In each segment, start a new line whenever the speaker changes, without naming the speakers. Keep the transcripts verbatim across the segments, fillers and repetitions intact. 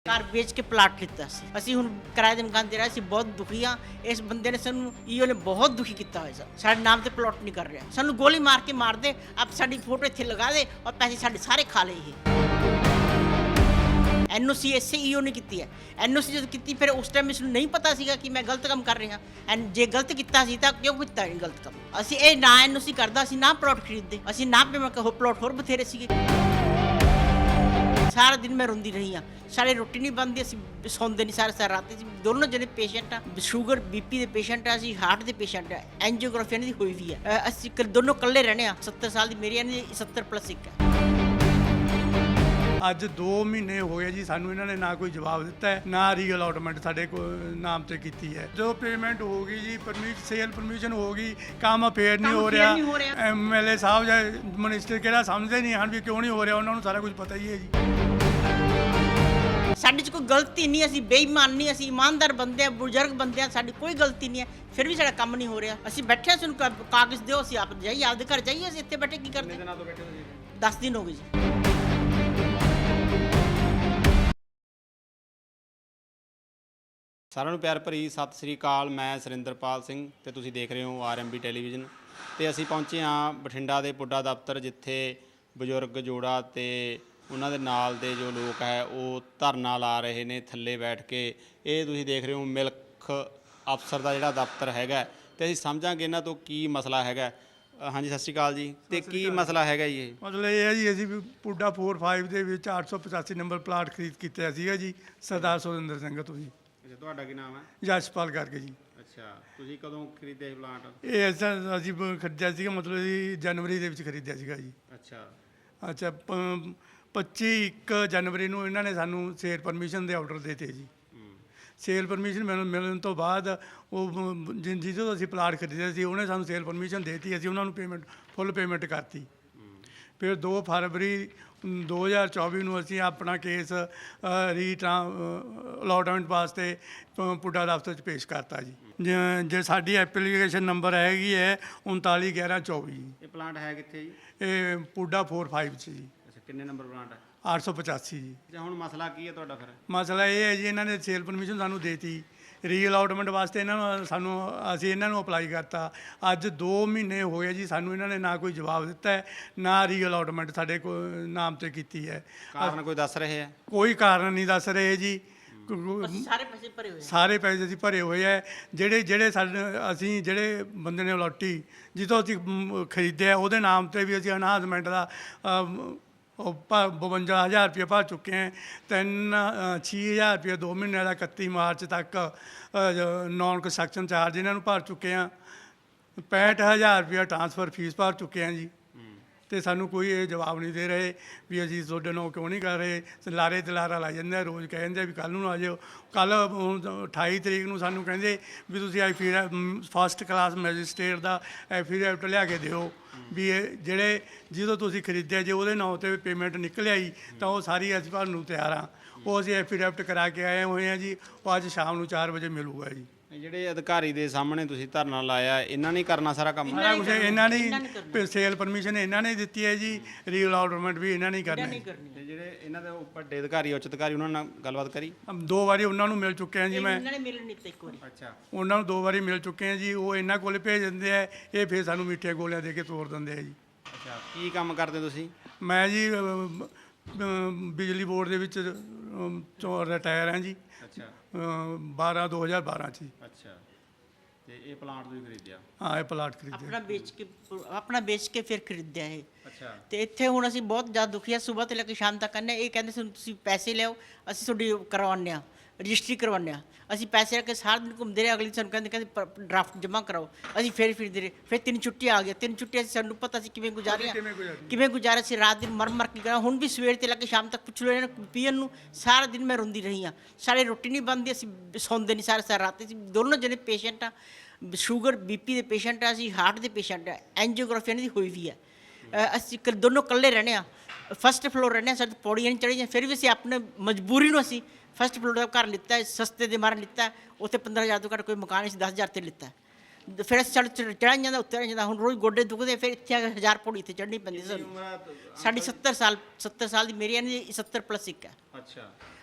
ਕਾਰ ਵੇਚ ਕੇ ਪਲਾਟ ਲਿੱਤਾ ਸੀ ਅਸੀਂ ਹੁਣ ਕਿਰਾਏ ਦੇ ਮਕਾਨ ਦੇ ਰਹੇ ਸੀ ਬਹੁਤ ਦੁਖੀ ਆ ਇਸ ਬੰਦੇ ਨੇ ਸਾਨੂੰ ਈਓ ਨੇ ਬਹੁਤ ਦੁਖੀ ਕੀਤਾ ਹੋਇਆ ਸਾ ਸਾਡੇ ਨਾਮ ਤੇ ਪਲਾਟ ਨਹੀਂ ਕਰ ਰਿਹਾ ਸਾਨੂੰ ਗੋਲੀ ਮਾਰ ਕੇ ਮਾਰ ਦੇ ਆਪ ਸਾਡੀ ਫੋਟੋ ਇੱਥੇ ਲਗਾ ਦੇ ਔਰ ਪੈਸੇ ਸਾਡੇ ਸਾਰੇ ਖਾ ਲਏ ਇਹ ਐਨਓਸੀ ਐਸੇ ਈਓ ਨੇ ਕੀਤੀ ਹੈ ਐਨਓਸੀ ਜਦੋਂ ਕੀਤੀ ਫਿਰ ਉਸ ਟਾਈਮ ਇਸ ਨੂੰ ਨਹੀਂ ਪਤਾ ਸੀਗਾ ਕਿ ਮੈਂ ਗਲਤ ਕੰਮ ਕਰ ਰਿਹਾ ਐਂਡ ਜੇ ਗਲਤ ਕੀਤਾ ਸੀ ਤਾਂ ਕਿਉਂ ਕੀਤਾ ਇਹ ਗਲਤ ਕੰਮ ਅਸੀਂ ਇਹ ਨਾ ਐਨਓਸੀ ਕਰਦਾ ਸੀ ਨਾ ਪਲਾਟ ਖਰੀਦਦੇ ਅਸੀਂ ਨਾ ਪੇ ਮੈਂ ਕਹੋ ਪਲਾਟ ਹੋਰ ਬਥੇਰੇ ਸੀਗੇ ਸਾਰਾ ਦਿਨ ਮੈਂ ਰੋਂਦੀ ਰਹੀ ਹਾਂ ਸਾਡੇ ਰੋਟੀ ਨਹੀਂ ਬਣਦੀ ਅਸੀਂ ਸੌਂਦੇ ਨਹੀਂ ਸਾਰੇ ਸਾਰੀ ਰਾਤ ਅਸੀਂ ਦੋਨੋਂ ਜਣੇ ਪੇਸ਼ੈਂਟ ਆ ਸ਼ੂਗਰ ਬੀਪੀ ਦੇ ਪੇਸ਼ੈਂਟ ਆ ਅਸੀਂ ਹਾਰਟ ਦੇ ਪੇਸ਼ੈਂਟ ਆ ਐਂਜੀਓਗ੍ਰਾਫੀ ਇਹਨਾਂ ਦੀ ਹੋਈ ਵੀ ਹੈ ਅਸੀਂ ਦੋਨੋਂ ਇਕੱਲੇ ਰਹਿਣੇ ਆ ਸੱਤਰ ਸਾਲ ਦੀ ਮੇਰੀ ਇਹਨਾਂ ਦੀ ਸੱਤਰ ਪਲੱਸ ਇੱਕ ਹੈ
ਅੱਜ ਦੋ ਮਹੀਨੇ ਹੋਏ ਜੀ ਸਾਨੂੰ ਇਹਨਾਂ ਨੇ ਨਾ ਕੋਈ ਜਵਾਬ ਦਿੱਤਾ ਹੈ ਨਾ ਰੀਅਲਾਟਮੈਂਟ ਸਾਡੇ ਕੋ ਨਾਮ ਤੇ ਕੀਤੀ ਹੈ ਜੋ ਪੇਮੈਂਟ ਹੋ ਗਈ ਜੀ ਪਰਮਿਟ ਸੇਲ ਪਰਮਿਸ਼ਨ ਹੋ ਗਈ ਕੰਮ ਫੇਰ ਨਹੀਂ ਹੋ ਰਿਹਾ ਐਮਐਲਏ ਸਾਹਿਬ ਜਾਂ ਮਿਨਿਸਟਰ ਕਿਹੜਾ ਸਮਝਦੇ ਨਹੀਂ ਹਨ ਵੀ ਕਿਉਂ ਨਹੀਂ ਹੋ ਰਿਹਾ ਉਹਨਾਂ ਨੂੰ ਸਾਰਾ ਕੁਝ ਪਤਾ ਹੀ ਹੈ ਜੀ
ਸਾਡੇ 'ਚ ਕੋਈ ਗਲਤੀ ਨਹੀਂ ਅਸੀਂ ਬੇਈਮਾਨ ਨਹੀਂ ਅਸੀਂ ਇਮਾਨਦਾਰ ਬੰਦੇ ਆ ਬਜ਼ੁਰਗ ਬੰਦੇ ਆ ਸਾਡੀ ਕੋਈ ਗਲਤੀ ਨਹੀਂ ਹੈ ਫਿਰ ਵੀ ਸਾਡਾ ਕੰਮ ਨਹੀਂ ਹੋ ਰਿਹਾ ਅਸੀਂ ਬੈਠੇ ਸਾਨੂੰ ਕਾਗਜ਼ ਦਿਓ ਅਸੀਂ ਆਪ ਜਾਈਏ ਆਪਦੇ ਘਰ ਜਾਈਏ ਅਸੀਂ ਇੱਥੇ ਬੈਠੇ ਕੀ ਕਰਦੇ ਦਿਨਾਂ ਤੋਂ ਬੈਠੇ ਤੁਸੀਂ ਦਸ ਦਿਨ ਹੋ ਗਏ ਜੀ
ਸਾਰਿਆਂ ਨੂੰ ਪਿਆਰ ਭਰੀ ਸਤਿ ਸ੍ਰੀ ਅਕਾਲ ਮੈਂ ਸੁਰਿੰਦਰਪਾਲ ਸਿੰਘ ਤੇ ਤੁਸੀਂ ਦੇਖ ਰਹੇ ਹੋ ਆਰਐਮਬੀ ਟੈਲੀਵਿਜ਼ਨ ਤੇ ਅਸੀਂ ਪਹੁੰਚੇ ਹਾਂ ਬਠਿੰਡਾ ਦੇ ਪੁੱਡਾ ਦਫ਼ਤਰ ਜਿੱਥੇ ਬਜ਼ੁਰਗ ਜੋੜਾ ਤੇ ਉਹਨਾਂ ਦੇ ਨਾਲ ਦੇ ਜੋ ਲੋਕ ਹੈ ਉਹ ਧਰਨਾ ਲਾ ਰਹੇ ਨੇ ਥੱਲੇ ਬੈਠ ਕੇ ਇਹ ਤੁਸੀਂ ਦੇਖ ਰਹੇ ਹੋ ਮਿਲਕ ਅਫਸਰ ਦਾ ਜਿਹੜਾ ਦਫ਼ਤਰ ਹੈਗਾ ਤੇ ਅਸੀਂ ਸਮਝਾਂਗੇ ਇਹਨਾਂ ਤੋਂ ਕੀ ਮਸਲਾ ਹੈਗਾ ਹਾਂਜੀ ਸਤਿ ਸ਼੍ਰੀ ਅਕਾਲ ਜੀ ਤੇ ਕੀ ਮਸਲਾ ਹੈਗਾ ਜੀ ਇਹ
ਮਤਲਬ ਇਹ ਹੈ ਜੀ ਅਸੀਂ ਪੁੱਡਾ ਚਾਰ ਪੰਜ ਦੇ ਵਿੱਚ ਅੱਠ ਸੌ ਪਚਾਸੀ ਨੰਬਰ ਪਲਾਟ ਖਰੀਦ ਕੀਤਾ ਸੀਗਾ ਜੀ ਸਰਦਾਰ ਸੁਰਿੰਦਰ ਸਿੰਘ ਤੋਂ ਜੀ
ਅੱਛਾ ਤੁਹਾਡਾ ਕੀ ਨਾਮ ਹੈ
ਜਸਪਾਲ ਕਰਕੇ ਜੀ ਅੱਛਾ
ਤੁਸੀਂ ਕਦੋਂ ਖਰੀਦਿਆ ਇਹ ਪਲਾਟ
ਇਹ ਅਸਾਂ ਅਸੀਂ ਖਰੀਦਿਆ ਸੀਗਾ ਮਤਲਬ ਜੀ ਜਨਵਰੀ ਦੇ ਵਿੱਚ ਖਰੀਦਿਆ ਸੀਗਾ ਜੀ
ਅੱਛਾ ਅੱਛਾ
ਪੱਚੀ ਇੱਕ ਜਨਵਰੀ ਨੂੰ ਇਹਨਾਂ ਨੇ ਸਾਨੂੰ ਸੇਲ ਪਰਮਿਸ਼ਨ ਦੇ ਆਰਡਰ ਦਿੱਤੇ ਜੀ ਸੇਲ ਪਰਮਿਸ਼ਨ ਮਿਲਣ ਮਿਲਣ ਤੋਂ ਬਾਅਦ ਉਹ ਜਿਹਦੇ ਤੋਂ ਅਸੀਂ ਪਲਾਟ ਖਰੀਦਿਆ ਸੀ ਉਹਨੇ ਸਾਨੂੰ ਸੇਲ ਪਰਮਿਸ਼ਨ ਦੇ ਦਿੱਤੀ ਅਸੀਂ ਉਹਨਾਂ ਨੂੰ ਪੇਮੈਂਟ ਫੁੱਲ ਪੇਮੈਂਟ ਕਰਤੀ ਫਿਰ ਦੋ ਫਰਵਰੀ ਦੋ ਹਜ਼ਾਰ ਚੌਵੀ ਨੂੰ ਅਸੀਂ ਆਪਣਾ ਕੇਸ ਰੀ ਅਲਾਟਮੈਂਟ ਵਾਸਤੇ ਪੁੱਡਾ ਦਫ਼ਤਰ 'ਚ ਪੇਸ਼ ਕਰਤਾ ਜੀ ਜੇ ਸਾਡੀ ਐਪਲੀਕੇਸ਼ਨ ਨੰਬਰ ਹੈਗੀ ਹੈ ਉਨਤਾਲੀ ਗਿਆਰਾਂ ਚੌਵੀ
ਇਹ ਪਲਾਂਟ ਹੈ ਕਿੱਥੇ ਜੀ
ਇਹ ਪੁੱਡਾ ਚਾਰ ਪੰਜ 'ਚ ਜੀ
ਅੱਛਾ ਕਿੰਨੇ ਨੰਬਰ ਪਲਾਂਟ ਹੈ
ਅੱਠ ਸੌ ਪਚਾਸੀ ਜੀ
ਅੱਛਾ ਹੁਣ ਮਸਲਾ ਕੀ ਹੈ ਤੁਹਾਡਾ ਫਿਰ
ਮਸਲਾ ਇਹ ਹੈ ਜੀ ਇਹਨਾਂ ਨੇ ਸੇਲ ਪਰਮਿਸ਼ਨ ਸਾਨੂੰ ਦੇਤੀ ਰੀਅਲਾਟਮੈਂਟ ਵਾਸਤੇ ਇਹਨਾਂ ਨੂੰ ਸਾਨੂੰ ਅਸੀਂ ਇਹਨਾਂ ਨੂੰ ਅਪਲਾਈ ਕਰਤਾ ਅੱਜ ਦੋ ਮਹੀਨੇ ਹੋਏ ਜੀ ਸਾਨੂੰ ਇਹਨਾਂ ਨੇ ਨਾ ਕੋਈ ਜਵਾਬ ਦਿੱਤਾ ਹੈ ਨਾ ਰੀਅਲਾਟਮੈਂਟ ਸਾਡੇ ਕੋ ਨਾਮ ਤੇ ਕੀਤੀ ਹੈ
ਕਾਰਨ ਕੋਈ ਦੱਸ ਰਹੇ ਹੈ
ਕੋਈ ਕਾਰਨ ਨਹੀਂ ਦੱਸ ਰਹੇ ਜੀ
ਸਾਰੇ ਪੈਸੇ ਭਰੇ ਹੋਏ
ਸਾਰੇ ਪੈਸੇ ਅਸੀਂ ਭਰੇ ਹੋਏ ਹੈ ਜਿਹੜੇ ਜਿਹੜੇ ਸਾਡੇ ਅਸੀਂ ਜਿਹੜੇ ਬੰਦੇ ਨੇ ਅਲਾਟੀ ਜਿੱਥੋਂ ਅਸੀਂ ਖਰੀਦਿਆ ਉਹਦੇ ਨਾਮ ਤੇ ਵੀ ਅਸੀਂ ਅਨਾਜਮੈਂਟ ਦਾ ਉਹ ਬਵੰਜਾ ਹਜ਼ਾਰ ਰੁਪये ਭਰ ਚੁੱਕੇ ਹੈ ਤਿੰਨ ਛੇ ਹਜ਼ਾਰ ਰੁਪये ਦੋ ਮਹੀਨਿਆਂ ਦਾ ਇਕੱਤੀ ਮਾਰਚ ਤੱਕ ਨੌਨ ਕੰਸਟਰਕਸ਼ਨ ਚਾਰਜ ਇਹਨਾਂ ਨੂੰ ਭਰ ਚੁੱਕੇ ਹਾਂ ਪੈਂਹਠ ਹਜ਼ਾਰ ਰੁਪਇਆ ਟਰਾਂਸਫਰ ਫੀਸ ਭਰ ਚੁੱਕੇ ਹਾਂ ਜੀ ਅਤੇ ਸਾਨੂੰ ਕੋਈ ਇਹ ਜਵਾਬ ਨਹੀਂ ਦੇ ਰਹੇ ਵੀ ਅਸੀਂ ਤੁਹਾਡੇ ਨਾਲ ਕਿਉਂ ਨਹੀਂ ਕਰ ਰਹੇ ਲਾਰੇ ਤੇ ਲਾਰਾ ਲਾ ਜਾਂਦੇ ਰੋਜ਼ ਕਹਿ ਜਾਂਦੇ ਵੀ ਕੱਲ੍ਹ ਨੂੰ ਆ ਜਾਓ ਕੱਲ੍ਹ ਅਠਾਈ ਤਰੀਕ ਨੂੰ ਸਾਨੂੰ ਕਹਿੰਦੇ ਵੀ ਤੁਸੀਂ ਐਫੀ ਫਸਟ ਕਲਾਸ ਮੈਜਿਸਟਰੇਟ ਦਾ ਐਫੀਡੈਵਿਟ ਲਿਆ ਕੇ ਦਿਓ ਵੀ ਇਹ ਜਿਹੜੇ ਜਦੋਂ ਤੁਸੀਂ ਖਰੀਦਿਆ ਜੇ ਉਹਦੇ ਨਾਂ 'ਤੇ ਪੇਮੈਂਟ ਨਿਕਲ ਆਈ ਤਾਂ ਉਹ ਸਾਰੀ ਅਸੀਂ ਭਰਨ ਨੂੰ ਤਿਆਰ ਹਾਂ ਉਹ ਅਸੀਂ ਐਫੀਡੈਵਿਟ ਕਰਾ ਕੇ ਆਏ ਹੋਏ ਹਾਂ ਜੀ ਉਹ ਅੱਜ ਸ਼ਾਮ ਨੂੰ ਚਾਰ ਵਜੇ ਮਿਲੂਗਾ ਜੀ
ਜਿਹੜੇ ਅਧਿਕਾਰੀ ਦੇ ਸਾਹਮਣੇ ਤੁਸੀਂ ਧਰਨਾ ਲਾਇਆ ਇਹਨਾਂ ਨੇ ਕਰਨਾ ਸਾਰਾ ਕੰਮ
ਸਾਰਾ ਕੁਝ ਇਹਨਾਂ ਨੇ ਸੇਲ ਪਰਮਿਸ਼ਨ ਇਹਨਾਂ ਨੇ ਦਿੱਤੀ ਹੈ ਜੀ ਰੀਅਲਾਟਮੈਂਟ ਵੀ ਇਹਨਾਂ ਨੇ ਕਰਨਾ
ਤੇ ਜਿਹੜੇ ਇਹਨਾਂ ਦੇ ਵੱਡੇ ਅਧਿਕਾਰੀ ਉੱਚ ਅਧਿਕਾਰੀ ਉਹਨਾਂ ਨਾਲ ਗੱਲਬਾਤ ਕਰੀ
ਦੋ ਵਾਰੀ ਉਹਨਾਂ ਨੂੰ ਮਿਲ ਚੁੱਕੇ ਹਾਂ ਜੀ ਮੈਂ
ਇਹਨਾਂ ਨੇ ਮਿਲਣ ਨਹੀਂ ਦਿੱਤਾ ਇੱਕ ਵਾਰੀ
ਅੱਛਾ ਉਹਨਾਂ
ਨੂੰ ਦੋ ਵਾਰੀ ਮਿਲ ਚੁੱਕੇ ਹਾਂ ਜੀ ਉਹ ਇਹਨਾਂ ਕੋਲ ਭੇਜ ਦਿੰਦੇ ਆ ਇਹ ਫਿਰ ਸਾਨੂੰ ਮਿੱਠੀਆਂ ਗੋਲੀਆਂ ਦੇ ਕੇ ਤੋੜ ਦਿੰਦੇ ਆ ਜੀ
ਅੱਛਾ ਕੀ ਕੰਮ ਕਰਦੇ ਤੁਸੀਂ
ਮੈਂ ਜੀ ਬਿਜਲੀ ਬੋਰਡ ਦੇ ਵਿੱਚ ਰਿਟਾਇਰ ਹਾਂ ਜੀ
ਅੱਛਾ
ਬਾਰਾਂ ਦੋ ਹਜ਼ਾਰ ਬਾਰਾਂ 'ਚ ਜੀ
ਅੱਛਾ ਤੇ ਇਹ ਪਲਾਂਟ ਤੁਸੀਂ ਖਰੀਦਿਆ
ਹਾਂ ਇਹ ਪਲਾਟ ਖਰੀਦਿਆ
ਆਪਣਾ ਵੇਚ ਕੇ ਆਪਣਾ ਵੇਚ ਕੇ ਫਿਰ ਖਰੀਦਿਆ ਇਹ
ਅੱਛਾ ਤੇ
ਇੱਥੇ ਹੁਣ ਅਸੀਂ ਬਹੁਤ ਜ਼ਿਆਦਾ ਦੁਖੀ ਆ ਸਵੇਰ ਤੋਂ ਲੈ ਕੇ ਸ਼ਾਮ ਤੱਕ ਕਹਿੰਦੇ ਇਹ ਕਹਿੰਦੇ ਸੀ ਤੁਸੀਂ ਪੈਸੇ ਲਿਆਓ ਅਸੀਂ ਤੁਹਾਡੀ ਕਰਵਾਉਂਦੇ ਹਾਂ ਰਜਿਸਟਰੀ ਕਰਵਾਉਂਦੇ ਹਾਂ ਅਸੀਂ ਪੈਸੇ ਰੱਖ ਕੇ ਸਾਰਾ ਦਿਨ ਘੁੰਮਦੇ ਰਹੇ ਅਗਲੀ ਸਾਨੂੰ ਕਹਿੰਦੇ ਕਹਿੰਦੇ ਡਰਾਫਟ ਜਮ੍ਹਾਂ ਕਰਾਓ ਅਸੀਂ ਫਿਰ ਫਿਰਦੇ ਰਹੇ ਫਿਰ ਤਿੰਨ ਛੁੱਟੀਆਂ ਆ ਗਈਆਂ ਤਿੰਨ ਛੁੱਟੀਆਂ ਅਸੀਂ ਸਾਨੂੰ ਪਤਾ ਸੀ ਕਿਵੇਂ ਗੁਜ਼ਾਰੀਆਂ ਕਿਵੇਂ ਗੁਜ਼ਾਰਿਆ ਸੀ ਰਾਤ ਦਿਨ ਮਰ ਮਰ ਕੇ ਕਰਾਂ ਹੁਣ ਵੀ ਸਵੇਰ ਤੇ ਲੈ ਕੇ ਸ਼ਾਮ ਤੱਕ ਪੁੱਛ ਲਓ ਇਹਨਾਂ ਨੂੰ ਪੀਣ ਨੂੰ ਸਾਰਾ ਦਿਨ ਮੈਂ ਰੋਂਦੀ ਰਹੀ ਹਾਂ ਸਾਡੇ ਰੋਟੀ ਨਹੀਂ ਬਣਦੀ ਅਸੀਂ ਸੌਂਦੇ ਨਹੀਂ ਸਾਰੇ ਸਾਰੀ ਰਾਤ ਅਸੀਂ ਦੋਨੋਂ ਜਣੇ ਪੇਸ਼ੈਂਟ ਆ ਸ਼ੂਗਰ ਬੀਪੀ ਦੇ ਪੇਸ਼ੈਂਟ ਆ ਅਸੀਂ ਹਾਰਟ ਦੇ ਪੇਸ਼ੈਂਟ ਆ ਐਂਜੀਓਗ੍ਰਾਫੀ ਇਹਨਾਂ ਦੀ ਹੋਈ ਵੀ ਹੈ ਅਸੀਂ ਦੋਨੋਂ ਇਕੱਲੇ ਰਹਿੰਦੇ ਹਾਂ ਫਸਟ ਫਲੋਰ ਰਹਿੰਦੇ ਹਾਂ ਸਾਡੇ ਪੌੜੀਆਂ ਨਹੀਂ ਚੜ੍ਹੀਆਂ ਫਿਰ ਵੀ ਅਸੀਂ ਆਪਣੇ ਮਜਬੂਰੀ ਨੂੰ ਅਸੀਂ ਫਸਟ ਫਲੋਰ ਦਾ ਘਰ ਲਿੱਤਾ ਸਸਤੇ ਦੇ ਮਾਰਨ ਲਿੱਤਾ ਉੱਥੇ ਪੰਦਰਾਂ ਹਜ਼ਾਰ ਤੋਂ ਘੱਟ ਕੋਈ ਮਕਾਨ ਅਸੀਂ ਦਸ ਹਜ਼ਾਰ 'ਤੇ ਲਿੱਤਾ ਫਿਰ ਅਸੀਂ ਚੜ੍ਹ ਚੜ੍ਹਾਈ ਜਾਂਦਾ ਉੱਤਰ ਜਾਂਦਾ ਹੁਣ ਰੋਜ਼ ਗੋਡੇ ਦੁਖਦੇ ਫਿਰ ਇੱਥੇ ਹਜ਼ਾਰ ਪੌੜੀ ਇੱਥੇ ਚੜ੍ਹਨੀ ਪੈਂਦੀ ਸਾਨੂੰ ਸਾਡੀ ਸੱਤਰ ਸਾਲ ਸੱਤਰ ਸਾਲ ਦੀ ਮੇਰੀ ਇਹਨਾਂ ਦੀ ਸੱਤਰ ਪਲੱਸ ਇੱਕ ਹੈ
ਅੱਛਾ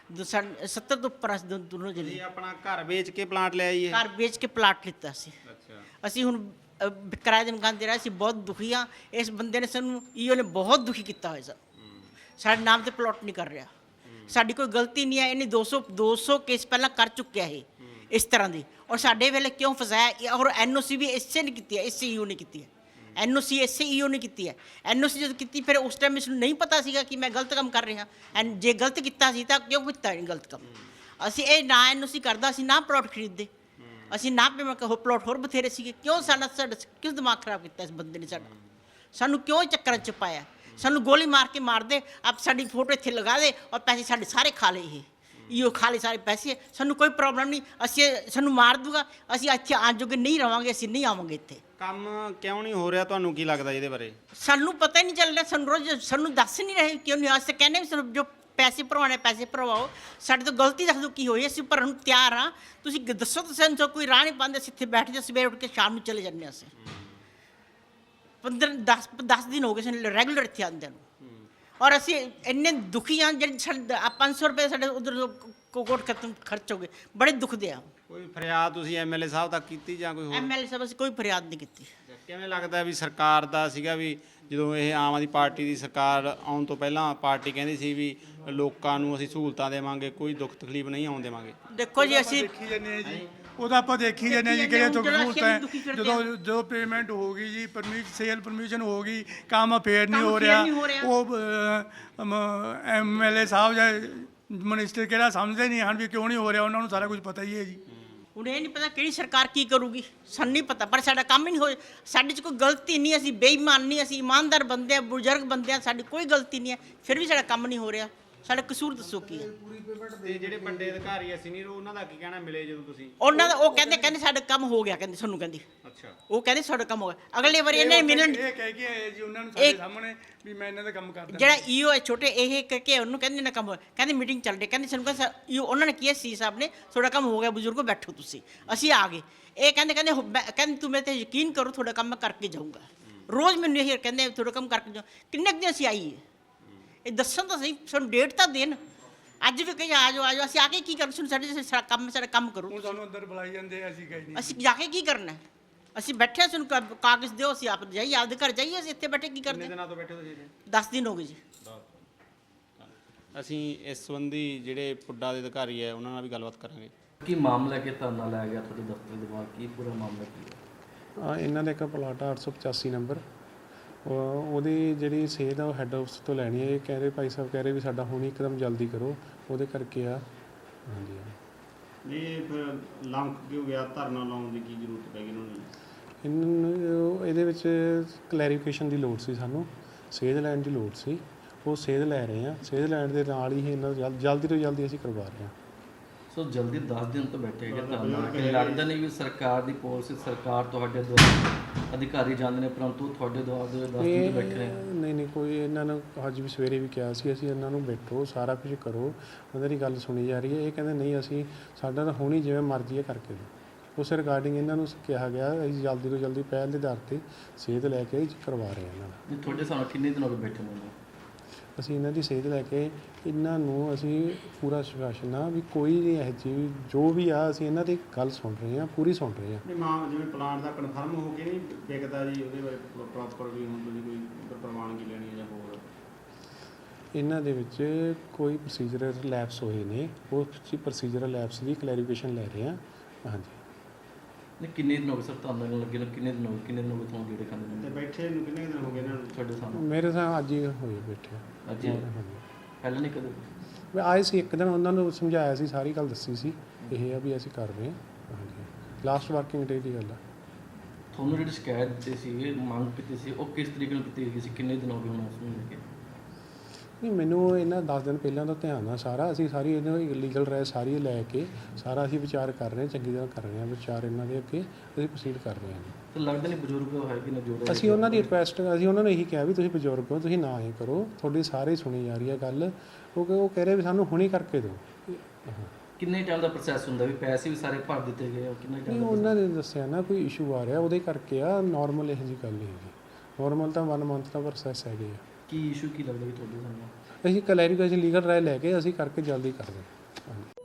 ਸੱਤਰ ਤੋਂ ਉੱਪਰ ਅਸੀਂ ਦੋ- ਦੋਨੋਂ ਜਣੇ
ਤੁਸੀਂ ਆਪਣਾ ਘਰ ਵੇਚ ਕੇ ਪਲਾਂਟ ਲਿਆ ਜੀ ਇਹ?
ਘਰ ਵੇਚ ਕੇ ਪਲਾਟ ਲਿੱਤਾ ਸੀ।
ਅੱਛਾ।
ਅਸੀਂ ਹੁਣ ਅ, ਕਿਰਾਏ ਦੇ ਮਕਾਨ ਦੇ ਰਹੇ ਸੀ, ਬਹੁਤ ਦੁਖੀ ਹਾਂ। ਇਸ ਬੰਦੇ ਨੇ ਸਾਨੂੰ ਈਓ ਨੇ ਬਹੁਤ ਦੁਖੀ ਕੀਤਾ ਹੋਇਆ ਸਰ। ਸਾਡੇ ਨਾਮ ਤੇ ਪਲਾਟ ਨਹੀਂ ਕਰ ਰਿਹਾ, ਸਾਡੀ ਕੋਈ ਗਲਤੀ ਨਹੀਂ ਹੈ। ਇਹਨੇ ਦੋ ਸੌ ਦੋ ਸੌ ਕੇਸ ਪਹਿਲਾਂ ਕਰ ਚੁੱਕਿਆ ਇਹ ਇਸ ਤਰ੍ਹਾਂ ਦੀ, ਔਰ ਸਾਡੇ ਵੇਲੇ ਕਿਉਂ ਫਸਾਇਆ ਇਹ? ਔਰ ਐਨਓਸੀ ਵੀ ਇਸੇ ਨੇ ਕੀਤੀ ਹੈ, ਇਸੇ ਈਓ ਨੇ ਕੀਤੀ ਹੈ। ਐਨਓਸੀ ਇਸੇ ਈਓ ਨੇ ਕੀਤੀ ਹੈ। ਐਨਓਸੀ ਜਦੋਂ ਕੀਤੀ ਫਿਰ ਉਸ ਟਾਈਮ ਇਸ ਨੂੰ ਨਹੀਂ ਪਤਾ ਸੀਗਾ ਕਿ ਮੈਂ ਗਲਤ ਕੰਮ ਕਰ ਰਿਹਾ। ਐਨ ਜੇ ਗਲਤ ਕੀਤਾ ਸੀ ਤਾਂ ਕਿਉਂ ਕੀਤਾ ਇਹ ਗਲਤ ਕੰਮ? ਅਸੀਂ ਇਹ ਨਾ ਐਨਓਸੀ ਕਰਦਾ, ਅਸੀਂ ਨਾ ਪਲਾਟ ਖਰੀਦਦੇ, ਅਸੀਂ ਨਾ ਪੇ ਮੈਂ ਕਹੋ ਪਲਾਟ ਹੋਰ ਬਥੇਰੇ ਸੀਗੇ। ਕਿਉਂ ਸਾਡਾ ਸਾਡਾ ਕਿਉਂ ਦਿਮਾਗ ਖਰਾਬ ਕੀਤਾ ਇਸ ਬੰਦੇ ਨੇ ਸਾਡਾ? ਸਾਨੂੰ ਕਿਉਂ ਇਹ ਚੱਕਰਾਂ 'ਚ ਪਾਇਆ? ਸਾਨੂੰ ਗੋਲੀ ਮਾਰ ਕੇ ਮਾਰ ਦੇ, ਆਪ ਸਾਡੀ ਫੋਟੋ ਇੱਥੇ ਲਗਾ ਦੇ ਔਰ ਪੈਸੇ ਸਾਡੇ ਸਾਰੇ ਖਾ ਲਏ। ਇਹ ਇਹੋ ਖਾ ਲਏ ਸਾਰੇ ਪੈਸੇ, ਸਾਨੂੰ ਕੋਈ ਪ੍ਰੋਬਲਮ ਨਹੀਂ। ਅਸੀਂ ਸਾਨੂੰ ਮਾਰ ਦੂਗਾ, ਅਸੀਂ ਇੱਥੇ ਆਉਣ ਜੋਗੇ ਨਹੀਂ ਰਵਾਂਗੇ, ਅਸੀਂ ਨਹੀਂ ਆਵਾਂਗੇ ਇੱਥੇ।
ਕੰਮ ਕਿਉਂ ਨਹੀਂ ਹੋ ਰਿਹਾ, ਤੁਹਾਨੂੰ ਕੀ ਲੱਗਦਾ ਇਹਦੇ ਬਾਰੇ?
ਸਾਨੂੰ ਪਤਾ ਹੀ ਨਹੀਂ ਚੱਲ ਰਿਹਾ, ਸਾਨੂੰ ਰੋਜ਼ ਸਾਨੂੰ ਦੱਸ ਨਹੀਂ ਰਹੇ ਕਿਉਂ ਨਹੀਂ। ਅਸੀਂ ਕਹਿੰਦੇ ਵੀ ਸਾਨੂੰ ਜੋ ਪੈਸੇ ਭਰਵਾਉਣੇ ਪੈਸੇ ਭਰਵਾਓ, ਸਾਡੇ ਤੋਂ ਗਲਤੀ ਦੱਸ ਦਿਓ ਕੀ ਹੋਈ, ਅਸੀਂ ਭਰਨ ਨੂੰ ਤਿਆਰ ਹਾਂ। ਤੁਸੀਂ ਗ- ਦੱਸੋ ਤਾਂ ਸਾਨੂੰ ਤਾਂ ਕੋਈ ਰਾਹ ਨਹੀਂ ਪਾਉਂਦੇ। ਅਸੀਂ ਇੱਥੇ ਬੈਠ ਜਾ, ਸਵੇਰੇ ਉੱਠ ਕੇ ਸ਼ਾਮ ਨੂੰ ਚਲੇ ਜਾਂਦੇ ਹਾਂ। ਅਸੀਂ ਪੰਦਰਾਂ ਦਸ ਦਸ ਦਿਨ ਹੋ ਗਏ ਸਾਨੂੰ ਰੈਗੂਲਰ ਇੱਥੇ ਆਉਂਦਿਆਂ ਨੂੰ, ਔਰ ਅਸੀਂ ਇੰਨੇ ਦੁਖੀ ਹਾਂ। ਜਿਹੜੇ ਸਾਡੇ ਪੰਜ ਸੌ ਰੁਪਏ ਸਾਡੇ ਉਧਰ ਕੋਟ ਖਤਮ ਖਰਚ ਹੋ ਗਏ, ਬੜੇ ਦੁਖਦੇ ਆ।
ਕੋਈ ਫਰਿਆਦ ਤੁਸੀਂ ਐਮਐਲਏ ਸਾਹਿਬ ਤੱਕ ਕੀਤੀ ਜਾਂ ਕੋਈ ਹੋਰ?
ਐਮਐਲਏ ਸਾਹਿਬ ਅਸੀਂ ਕੋਈ ਫਰਿਆਦ ਨਹੀਂ ਕੀਤੀ।
ਕਿਵੇਂ ਲੱਗਦਾ ਵੀ ਸਰਕਾਰ ਦਾ ਸੀਗਾ ਵੀ ਜਦੋਂ ਇਹ ਆਮ ਆਦਮੀ ਪਾਰਟੀ ਦੀ ਸਰਕਾਰ ਆਉਣ ਤੋਂ ਪਹਿਲਾਂ ਪਾਰਟੀ ਕਹਿੰਦੀ ਸੀ ਵੀ ਲੋਕਾਂ ਨੂੰ ਅਸੀਂ ਸਹੂਲਤਾਂ ਦੇਵਾਂਗੇ, ਕੋਈ ਦੁੱਖ ਤਕਲੀਫ ਨਹੀਂ ਆਉਣ ਦੇਵਾਂਗੇ।
ਦੇਖੋ ਜੀ ਅਸੀਂ
ਦੇਖੀ ਜਾਂਦੇ ਹਾਂ ਜੀ, ਉਹਦਾ ਆਪਾਂ ਦੇਖੀ ਜਾਂਦੇ ਹਾਂ ਜੀ ਕਿਹੜੇ ਤੋਂ ਸਹੂਲਤਾਂ ਹੈ। ਜਦੋਂ ਜਦੋਂ ਪੇਮੈਂਟ ਹੋ ਗਈ ਜੀ, ਪਰਮਿਟ ਸੇਲ ਪਰਮਿਸ਼ਨ ਹੋ ਗਈ, ਕੰਮ ਫੇਰ ਨਹੀਂ
ਕੰਮ
ਹੋ
ਫੇਰ
ਰਿਹਾ।
ਨਹੀਂ ਹੋ ਰਿਹਾ।
ਉਹ ਐਮਐਲਏ ਸਾਹਿਬ ਜਾਂ ਮਿਨਿਸਟਰ ਕਿਹੜਾ ਸਮਝਦੇ ਨਹੀਂ ਹਨ ਵੀ ਕਿਉਂ ਨਹੀਂ ਹੋ ਰਿਹਾ। ਉਹਨਾਂ ਨੂੰ ਸਾਰਾ ਕੁਝ ਪਤਾ ਹੀ ਹੈ ਜੀ।
ਹੁਣ ਇਹ ਨਹੀਂ ਪਤਾ ਕਿਹੜੀ ਸਰਕਾਰ ਕੀ ਕਰੂਗੀ, ਸਾਨੂੰ ਨਹੀਂ ਪਤਾ। ਪਰ ਸਾਡਾ ਕੰਮ ਹੀ ਨਹੀਂ ਹੋਇਆ, ਸਾਡੇ 'ਚ ਕੋਈ ਗਲਤੀ ਨਹੀਂ, ਅਸੀਂ ਬੇਈਮਾਨ ਨਹੀਂ, ਅਸੀਂ ਇਮਾਨਦਾਰ ਬੰਦੇ ਆ, ਬਜ਼ੁਰਗ ਬੰਦੇ ਆ, ਸਾਡੀ ਕੋਈ ਗਲਤੀ ਨਹੀਂ ਹੈ, ਫਿਰ ਵੀ ਸਾਡਾ ਕੰਮ ਨਹੀਂ ਹੋ ਰਿਹਾ। ਸਾਡਾ ਕਸੂਰ ਦੱਸੋ ਕੀ ਹੈ?
ਤੇ ਜਿਹੜੇ ਵੱਡੇ ਅਧਿਕਾਰੀ ਆ ਸੀਨੀਅਰ, ਉਹਨਾਂ ਦਾ ਕੀ ਕਹਿਣਾ ਮਿਲੇ ਜਦੋਂ ਤੁਸੀਂ?
ਉਹਨਾਂ ਦਾ ਉਹ ਕਹਿੰਦੇ ਕਹਿੰਦੇ ਸਾਡਾ ਕੰਮ ਹੋ ਗਿਆ, ਕਹਿੰਦੇ ਸਾਨੂੰ ਕਹਿੰਦੇ
ਅੱਛਾ।
ਉਹ ਕਹਿੰਦੇ ਸਾਡਾ ਕੰਮ ਹੋ ਗਿਆ। ਅਗਲੇ ਵਾਰੀ ਇਹਨੇ ਮਿਲਣ
ਇਹ ਕਹਿ ਕੇ ਆਏ ਜੀ ਉਹਨਾਂ ਨੂੰ ਸਾਡੇ ਸਾਹਮਣੇ ਵੀ ਮੈਂ ਇਹਨਾਂ ਦਾ ਕੰਮ ਕਰਦਾ।
ਜਿਹੜਾ ਈਓ ਹੈ ਛੋਟੇ, ਇਹ ਕਹਿ ਕੇ ਉਹਨੂੰ ਕਹਿੰਦੇ ਨਾ ਕੰਮ ਹੋਇਆ, ਕਹਿੰਦੇ ਮੀਟਿੰਗ ਚੱਲ ਰਹੀ, ਕਹਿੰਦੇ ਸਾਨੂੰ ਕਹਿੰਦਾ ਈਓ ਉਹਨਾਂ ਨੇ ਕੀ ਸੀ ਸਾਹਿਬ ਨੇ, ਤੁਹਾਡਾ ਕੰਮ ਹੋ ਗਿਆ ਬਜ਼ੁਰਗੋ, ਬੈਠੋ ਤੁਸੀਂ। ਅਸੀਂ ਆ ਗਏ। ਇਹ ਕਹਿੰਦੇ ਕਹਿੰਦੇ ਹੋ- ਮੈਂ- ਕਹਿੰਦੇ ਤੂੰ ਮੇਰੇ ਤੇ ਯਕੀਨ ਕਰੋ, ਤੁਹਾਡਾ ਕੰਮ ਮੈਂ ਕਰਕੇ ਜਾਊਂਗਾ। ਰੋਜ਼ ਮੈਨੂੰ ਇਹ ਕਹਿੰਦੇ ਤੁਹਾਡਾ ਕੰਮ ਕਰਕੇ ਜਾਓ। ਕਿੰਨੇ ਕੁ ਦਿਨ ਅਸੀਂ ਆਈਏ, ਇਹ ਦੱਸਣ ਤਾਂ ਸਹੀ, ਸਾਨੂੰ ਡੇਟ ਤਾਂ ਦੇਣ। ਅੱਜ ਵੀ ਕਹੀ ਆ ਜਾਓ ਆ ਜਾਓ, ਅਸੀਂ ਆ ਕੇ ਕੀ ਕਰ, ਸਾਨੂੰ ਸਾਡੇ ਸਾਡਾ ਕੰਮ ਸਾਡਾ ਕੰਮ ਕਰੋ।
ਹੁਣ ਸਾਨੂੰ ਅੰਦਰ ਬੁਲਾਈ ਜਾਂਦੇ ਆ, ਅਸੀਂ ਕਹੀ ਨਹੀਂ।
ਅਸੀਂ ਜਾ ਕੇ ਕੀ ਕਰਨਾ? ਅਸੀਂ ਬੈਠੇ ਹਾਂ, ਸਾਨੂੰ ਕਾ- ਕਾਗਜ਼ ਦਿਓ, ਅਸੀਂ ਆਪ ਜਾਈਏ, ਆਪਦੇ ਘਰ ਜਾਈਏ। ਅਸੀਂ ਇੱਥੇ ਬੈਠੇ ਕੀ
ਕਿੰਨੇ
ਕਰਦੇ?
ਦਿਨਾਂ ਤੋਂ ਬੈਠੇ ਤੁਸੀਂ ਇੱਥੇ?
ਦਸ ਦਿਨ ਹੋ ਗਏ ਜੀ।
ਅਸੀਂ ਇਸ ਸੰਬੰਧੀ ਜਿਹੜੇ ਪੁੱਡਾ ਦੇ ਅਧਿਕਾਰੀ ਹੈ ਉਹਨਾਂ ਨਾਲ ਵੀ ਗੱਲਬਾਤ ਕਰਾਂਗੇ।
ਕੀ ਮਾਮਲਾ ਕਿ ਧਰਨਾ ਲਾਇਆ ਗਿਆ ਤੁਹਾਡੇ ਦਫ਼ਤਰ ਦੇ ਬਾਹਰ, ਕੀ ਪੂਰਾ ਮਾਮਲਾ ਕੀ ਹੈ?
ਹਾਂ, ਇਹਨਾਂ ਦਾ ਇੱਕ ਪਲਾਟ ਆ ਅੱਠ ਸੌ ਪਚਾਸੀ ਨੰਬਰ। ਉਹ- ਉਹਦੀ ਜਿਹੜੀ ਸੇਧ ਆ ਉਹ ਹੈੱਡ ਆਫਿਸ ਤੋਂ ਲੈਣੀ ਹੈ। ਇਹ ਕਹਿ ਰਹੇ, ਭਾਈ ਸਾਹਿਬ ਕਹਿ ਰਹੇ ਵੀ ਸਾਡਾ ਹੁਣ ਇੱਕਦਮ ਜਲਦੀ ਕਰੋ, ਉਹਦੇ ਕਰਕੇ ਆ। ਹਾਂਜੀ
ਇਹ ਫਿਰ ਲੰਕ ਕਿਉਂ ਗਿਆ, ਧਰਨਾ ਲਾਉਣ ਦੀ ਕੀ ਜ਼ਰੂਰਤ ਪੈ ਗਈ ਉਹਨਾਂ ਨੂੰ?
ਇਹਨਾਂ ਨੂੰ ਇਹਦੇ ਵਿੱਚ ਕਲੈਰੀਫਿਕੇਸ਼ਨ ਦੀ ਲੋੜ ਸੀ, ਸਾਨੂੰ ਸੇਧ ਲੈਣ ਦੀ ਲੋੜ ਸੀ। ਉਹ ਸੇਧ ਲੈ ਰਹੇ ਆ, ਸੇਧ ਲੈਣ ਦੇ ਨਾਲ ਹੀ ਇਹਨਾਂ ਨੂੰ ਜਲ- ਜਲਦੀ ਤੋਂ ਜਲਦੀ ਅਸੀਂ ਕਰਵਾ ਰਹੇ ਹਾਂ।
ਸੋ ਜਲਦੀ ਦਸ ਦਿਨ ਤੋਂ ਬੈਠੇ ਹੈਗੇ ਧਰਨਾ, ਕਿ ਲੱਗਦਾ ਨਹੀਂ ਵੀ ਸਰਕਾਰ ਦੀ ਪਾਲਿਸੀ, ਸਰਕਾਰ ਤੁਹਾਡੇ ਦੁਆਰਾ ਅਧਿਕਾਰੀ ਜਾਂਦੇ ਨੇ, ਪਰੰਤੂ ਤੁਹਾਡੇ ਦੁਆਰਾ ਦੇ ਦਸ ਦਿਨ ਤੋਂ ਬੈਠੇ ਨੇ।
ਨਹੀਂ ਨਹੀਂ ਕੋਈ ਇਹਨਾਂ ਨੂੰ ਅੱਜ ਵੀ ਸਵੇਰੇ ਵੀ ਕਿਹਾ ਸੀ ਅਸੀਂ ਇਹਨਾਂ ਨੂੰ ਬੈਠੋ, ਸਾਰਾ ਕੁਝ ਕਰੋ, ਉਹਨਾਂ ਦੀ ਗੱਲ ਸੁਣੀ ਜਾ ਰਹੀ ਹੈ। ਇਹ ਕਹਿੰਦੇ ਨਹੀਂ, ਅਸੀਂ ਸਾਡਾ ਤਾਂ ਹੋਣੀ ਜਿਵੇਂ ਮਰਜ਼ੀ ਹੈ ਕਰਕੇ ਦਿਓ। ਉਸ ਰਿਗਾਰਡਿੰਗ ਇਹਨਾਂ ਨੂੰ ਕਿਹਾ ਗਿਆ ਅਸੀਂ ਜਲਦੀ ਤੋਂ ਜਲਦੀ ਪਹਿਲ ਦੇ ਆਧਾਰ 'ਤੇ ਸੇਧ ਲੈ ਕੇ ਕਰਵਾ ਰਹੇ ਹਾਂ ਇਹਨਾਂ ਨੂੰ।
ਜੀ ਤੁਹਾਡੇ ਸਾਨੂੰ ਕਿੰਨੇ ਦਿਨ ਹੋ ਗਏ ਬੈਠੇ ਨੂੰ?
ਅਸੀਂ ਇਹਨਾਂ ਦੀ ਸੇਧ ਲੈ ਕੇ ਇਹਨਾਂ ਨੂੰ ਅਸੀਂ ਪੂਰਾ ਸ਼ਾਸਨ ਆ ਵੀ ਕੋਈ ਨਹੀਂ ਇਹ ਚੀਜ਼ ਜੋ ਵੀ ਆ, ਅਸੀਂ ਇਹਨਾਂ ਦੀ ਗੱਲ ਸੁਣ ਰਹੇ ਹਾਂ, ਪੂਰੀ ਸੁਣ ਰਹੇ ਹਾਂ।
ਨਹੀਂ ਮਾਂ ਜਿਵੇਂ ਪਲਾਂਟ ਦਾ ਕਨਫਰਮ ਹੋ ਕੇ ਨਹੀਂ ਵਿਕਦਾ ਜੀ, ਉਹਦੇ ਬਾਰੇ ਪ੍ਰੋਪਰ ਵੀ ਹੁਣ ਤੁਸੀਂ ਕੋਈ ਪ੍ਰਵਾਨਗੀ ਲੈਣੀ ਹੈ ਜਾਂ ਹੋਰ?
ਇਹਨਾਂ ਦੇ ਵਿੱਚ ਕੋਈ ਪ੍ਰੋਸੀਜਰਲ ਲੈਪਸ ਹੋਏ ਨੇ, ਉਹ ਪ੍ਰੋਸੀਜਰਲ ਲੈਪਸ ਦੀ ਕਲੈਰੀਫਿਕੇਸ਼ਨ ਲੈ ਰਹੇ ਹਾਂ। ਹਾਂਜੀ।
ਨਹੀਂ ਕਿੰਨੇ ਦਿਨ ਹੋ ਗਏ ਸਰ ਧਰਨਾ ਨੂੰ ਲੱਗੇ ਨੂੰ? ਕਿੰਨੇ ਦਿਨ ਹੋ ਗਏ, ਕਿੰਨੇ ਦਿਨ ਹੋ ਗਏ ਤੁਹਾਨੂੰ ਜਿਹੜੇ ਖਾਂਦੇ
ਤੇ
ਨੇ
ਬੈਠੇ ਨੂੰ ਕਿੰਨੇ ਦਿਨ ਹੋ ਗਏ ਇਹਨਾਂ ਨੂੰ?
ਤੁਹਾਡੇ ਸਾਹਮਣੇ
ਮੇਰੇ ਸਾਹ ਅੱਜ ਹੀ ਹੋਏ ਬੈਠੇ।
ਅੱਜ ਹੀ? ਪਹਿਲਾਂ ਨਹੀਂ ਕਦੇ?
ਮੈਂ ਆਏ ਸੀ ਇੱਕ ਦਿਨ, ਉਹਨਾਂ ਨੂੰ ਸਮਝਾਇਆ ਸੀ, ਸਾਰੀ ਗੱਲ ਦੱਸੀ ਸੀ, ਇਹ ਆ ਵੀ ਅਸੀਂ ਕਰ ਰਹੇ ਹਾਂ। ਹਾਂਜੀ, ਲਾਸਟ ਵਰਕਿੰਗ ਡੇ ਦੀ ਗੱਲ ਆ।
ਤੁਹਾਨੂੰ ਜਿਹੜੀ ਸ਼ਿਕਾਇਤ ਦਿੱਤੀ ਸੀ, ਮੰਗ ਕੀਤੀ ਸੀ, ਉਹ ਕਿਸ ਤਰੀਕੇ ਨਾਲ ਕੀਤੀ ਗਈ ਸੀ? ਕਿੰਨੇ ਦਿਨ ਹੋ ਗਏ ਹੁਣ ਉਸ ਨੂੰ ਲੈ ਕੇ?
ਨਹੀਂ ਮੈਨੂੰ ਇਹਨਾਂ ਦਸ ਦਿਨ ਪਹਿਲਾਂ ਦਾ ਧਿਆਨ ਆ ਸਾਰਾ। ਅਸੀਂ ਸਾਰੀ ਇਹਨਾਂ ਲੀਗਲ ਰਾਏ ਸਾਰੀ ਲੈ ਕੇ ਸਾਰਾ ਅਸੀਂ ਵਿਚਾਰ ਕਰ ਰਹੇ ਹਾਂ, ਚੰਗੀ ਤਰ੍ਹਾਂ ਕਰ ਰਹੇ ਹਾਂ ਵਿਚਾਰ ਇਹਨਾਂ ਦੇ ਅੱਗੇ, ਅਸੀਂ ਪ੍ਰੋਸੀਡ ਕਰ ਰਹੇ ਹਾਂ।
ਤੇ ਲੱਗਦਾ ਨਹੀਂ ਬਜ਼ੁਰਗ ਹੈ ਕਿ ਨਾ ਜੋੜ?
ਅਸੀਂ ਉਹਨਾਂ ਦੀ ਰਿਕੁਐਸਟ, ਅਸੀਂ ਉਹਨਾਂ ਨੂੰ ਇਹੀ ਕਿਹਾ ਵੀ ਤੁਸੀਂ ਬਜ਼ੁਰਗ ਹੋ, ਤੁਸੀਂ ਨਾ ਇਹ ਕਰੋ, ਤੁਹਾਡੀ ਸਾਰੇ ਸੁਣੀ ਜਾ ਰਹੀ ਹੈ ਗੱਲ। ਕਿਉਂਕਿ ਉਹ ਕਹਿ ਰਹੇ ਵੀ ਸਾਨੂੰ ਹੁਣੀ ਕਰਕੇ ਦਿਓ।
ਕਿੰਨੇ ਟਾਈਮ ਦਾ ਪ੍ਰੋਸੈਸ ਹੁੰਦਾ ਵੀ ਪੈਸੇ ਵੀ ਸਾਰੇ ਭਰ ਦਿੱਤੇ ਗਏ ਆ? ਕਿੰਨੇ
ਨਹੀਂ
ਟਾਈਮ ਦਾ?
ਉਹਨਾਂ ਨੇ ਦੱਸਿਆ ਨਾ ਕੋਈ ਇਸ਼ੂ ਆ ਰਿਹਾ ਉਹਦੇ ਕਰਕੇ ਆ, ਨਾਰਮਲ ਇਹੋ ਜਿਹੀ ਗੱਲ ਨਹੀਂ ਹੈਗੀ। ਨਾਰਮਲ ਤਾਂ ਵਨ ਮੰਥ ਦਾ ਪ੍ਰੋਸੈਸ ਹੈਗੇ ਆ।
ਕੀ ਇਸ਼ੂ ਕੀ ਲੱਗਦਾ ਵੀ ਤੁਹਾਡੇ ਸਾਹਮਣੇ?
ਅਸੀਂ ਕਲੈਰੀਫਿਕੇਸ਼ਨ ਲੀਗਲ ਰਾਏ ਲੈ ਕੇ ਅਸੀਂ ਕਰਕੇ ਜਲਦੀ ਕਰਦੇ ਹਾਂ। ਹਾਂਜੀ।